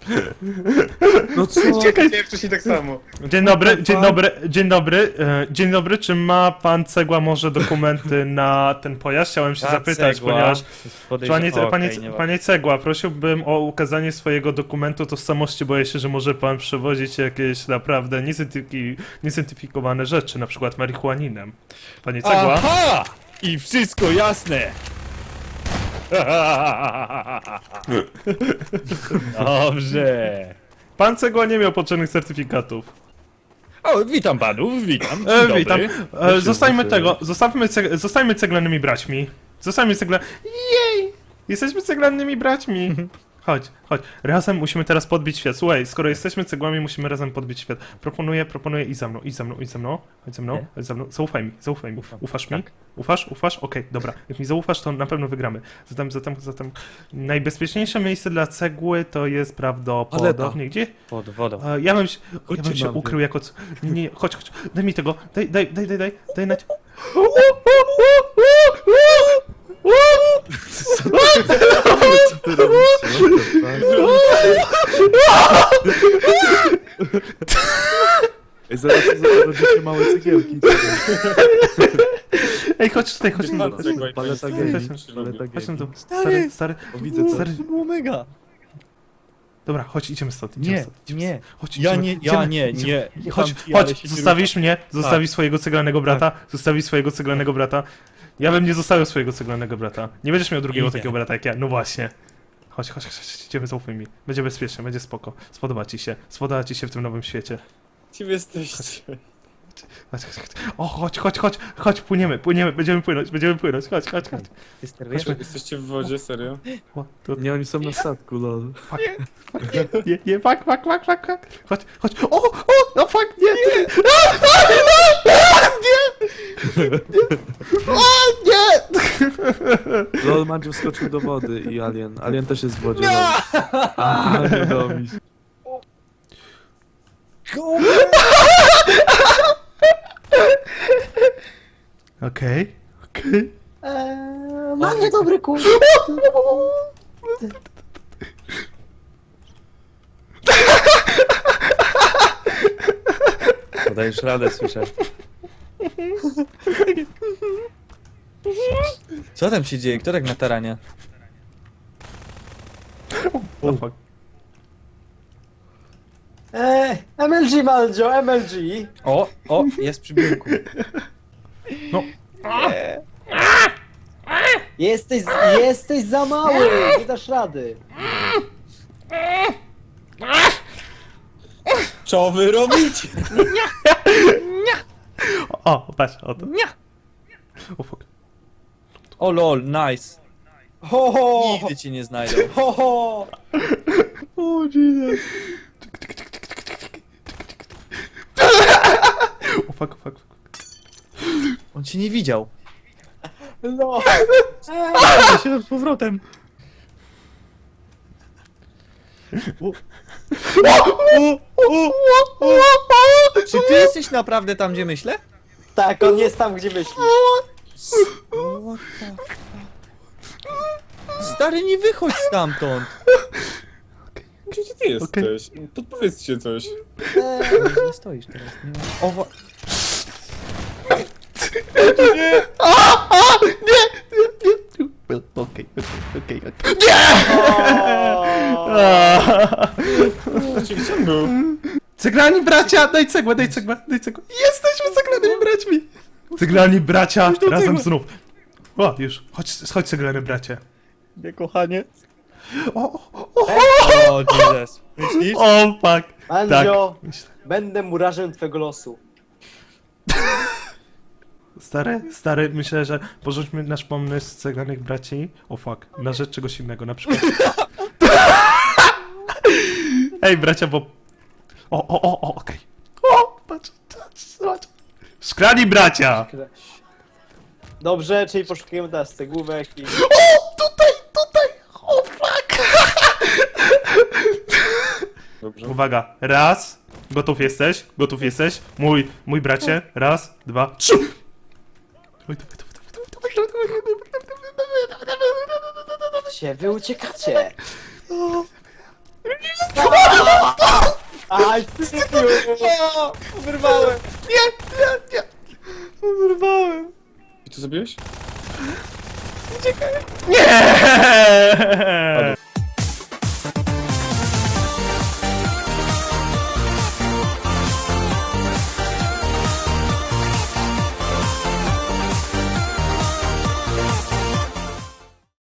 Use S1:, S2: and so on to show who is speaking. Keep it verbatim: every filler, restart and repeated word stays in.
S1: No co?
S2: Czekaj, wcześniej tak samo.
S3: Dzień dobry, dzień dobry, dzień dobry, e, dzień dobry, czy ma pan Cegła może dokumenty na ten pojazd? Chciałem się
S4: Ta
S3: zapytać,
S4: cegła
S3: ponieważ...
S4: podejrze-
S3: Panie,
S4: o,
S3: panie,
S4: okej, nie
S3: panie Cegła, prosiłbym o ukazanie swojego dokumentu tożsamości, boję się, że może pan przewozić jakieś naprawdę niezidentyfiki- niezidentyfikowane rzeczy, na przykład marihuaninem. Panie Cegła?
S4: Aha! I wszystko jasne! Dobrze.
S3: Pan Cegła nie miał potrzebnych certyfikatów.
S4: O, witam panów, witam. Dzień
S3: E,
S4: dobry.
S3: witam. E, zostańmy tego, zostawmy ceg zostańmy ceglanymi braćmi. Zostańmy cegla... Jej! Jesteśmy ceglanymi braćmi. Chodź, chodź. Razem musimy teraz podbić świat. Słuchaj, skoro jesteśmy cegłami, musimy razem podbić świat. Proponuję, proponuję i za mną, i za mną, i za mną. Chodź ze mną,
S4: Nie.
S3: chodź ze mną. Zaufaj mi, zaufaj mi.
S4: Ufam.
S3: Ufasz mi?
S4: Tak.
S3: Ufasz? Ufasz? Okej, dobra. Jak mi zaufasz, to na pewno wygramy. Zatem, zatem, zatem... Najbezpieczniejsze miejsce dla cegły to jest prawdopodobnie... Gdzie?
S4: Pod wodą.
S3: E, ja bym się, ja
S1: Chodźcie
S3: bym się
S1: na mnie.
S3: ukrył jako... c- Nie, nie, chodź, chodź. Daj mi tego. Daj, daj, daj, daj, daj. Daj na...
S1: Co ty robisz? Ej, zaraz zobaczycie małe cegiełki.
S3: Ej, chodź tutaj, chodź
S2: Dzień
S3: tu.
S2: dobry.
S3: Chodź,
S1: Paleta
S2: Chodź,
S1: gaming.
S2: chodź,
S1: Paleta
S3: chodź tu.
S1: gaming.
S3: Stary, stary.
S1: O, widzę coś.
S3: Stary.
S4: było mega.
S3: Dobra, chodź, idziemy stąd. Idziemy
S4: Nie,
S3: stąd, idziemy
S4: nie.
S3: stąd. Chodź,
S4: Ja
S3: idziemy,
S4: nie, ja
S3: idziemy,
S4: nie,
S3: idziemy.
S4: nie.
S3: Chodź,
S4: Ufam ci, ale
S3: chodź,
S4: się nie
S3: zostawisz mnie, zostawisz swojego ceglanego brata, zostawisz swojego ceglanego brata. Ja bym nie zostawił swojego ceglanego brata. Nie będziesz miał drugiego
S4: Idę.
S3: takiego brata jak ja, no właśnie. Chodź, chodź, chodź, chodź, idziemy, zaufaj mi. Będzie bezpiecznie, będzie spoko. Spodoba ci się, spodoba ci się w tym nowym świecie.
S2: Kim jesteście?
S3: Chodź, chodź, chodź. O, chodź, chodź, chodź, chodź, płyniemy, płyniemy, będziemy płynąć, będziemy płynąć, chodź, chodź, chodź.
S4: Chodźmy.
S2: Jesteście w wodzie, serio?
S3: O, tu,
S1: Nie, oni są na statku, lol.
S3: fuck, fuck, nie, nie, nie, fuck, fuck, fuck, fuck, fuck. Chodź, chodź, o, o, no fuck, nie, nie, a, a, a, nie, nie, o, nie.
S1: Lol, Mandziu wskoczył do wody i Alien. Alien też jest w wodzie, lol. A, nie robisz.
S3: Okej, okej.
S5: Eee, mam niedobry kół.
S4: Podajesz radę, słyszę. Co tam się dzieje? Kto tak na taranie?
S3: No fuck.
S5: Eee, M L G Maldzio, M L G.
S4: O, o, jest przy biurku.
S3: No.
S5: Jesteś, jesteś za mały, nie dasz rady.
S2: Co wy robicie?
S3: O, patrz, o to.
S4: Nie.
S3: O fuck.
S4: O lol, nice.
S5: Ho, ho,
S4: Nigdy cię nie znajdą.
S5: ho, ho.
S3: O, Jesus. O fuck, o fuck, fuck.
S4: On cię nie widział.
S5: No.
S4: Ja się z powrotem. Czy ty jesteś naprawdę tam, gdzie myślę?
S5: Tak, on jest tam, gdzie myślisz.
S4: What the fuck? Stary, nie wychodź stamtąd.
S2: Gdzie ty jesteś? Podpowiedzcie coś.
S5: Eee,
S4: Nie stoisz teraz. Nie ma... O, wa...
S3: Okej, okej, okej.
S5: o.
S2: Gdzie gdzie on był?
S3: Ceglani bracia! Daj cegłę, daj cegłę, daj cegłę. Jesteśmy ceglanymi braćmi! Ceglani bracia, razem
S4: cegły.
S3: znów. O, już. Chodź, chodź ceglany bracie.
S4: Nie, kochanie.
S3: O, o, o,
S4: O, Jesus. Myślisz?
S3: o, fuck.
S5: Mandzio,
S3: Myślę.
S5: będę murarzem twego losu.
S3: Stary, stary, myślę, że porzućmy nasz pomysł ceglanych braci. O fuck, na rzecz czegoś innego, na przykład. Ej, bracia, bo... O, o, o, o, okej. O, patrz, patrz, patrz. Szklani bracia!
S5: Dobrze, czyli poszukujemy teraz cegłówek i...
S3: O, tutaj, tutaj! O, fuck!
S2: Dobrze.
S3: Uwaga, raz. Gotów jesteś? Gotów jesteś? Mój, mój bracie. Raz, dwa, trzy! Oj, dawaj, dawaj, dawaj, dawaj, dawaj, dawaj, dawaj, dawaj.
S5: Gdzie wy uciekacie?
S3: O,
S5: Aj, sypiu!
S4: O, wyrwałem.
S3: Nie, nie, nie.
S4: Wyrwałem.
S2: I co zrobiłeś?
S3: Nie!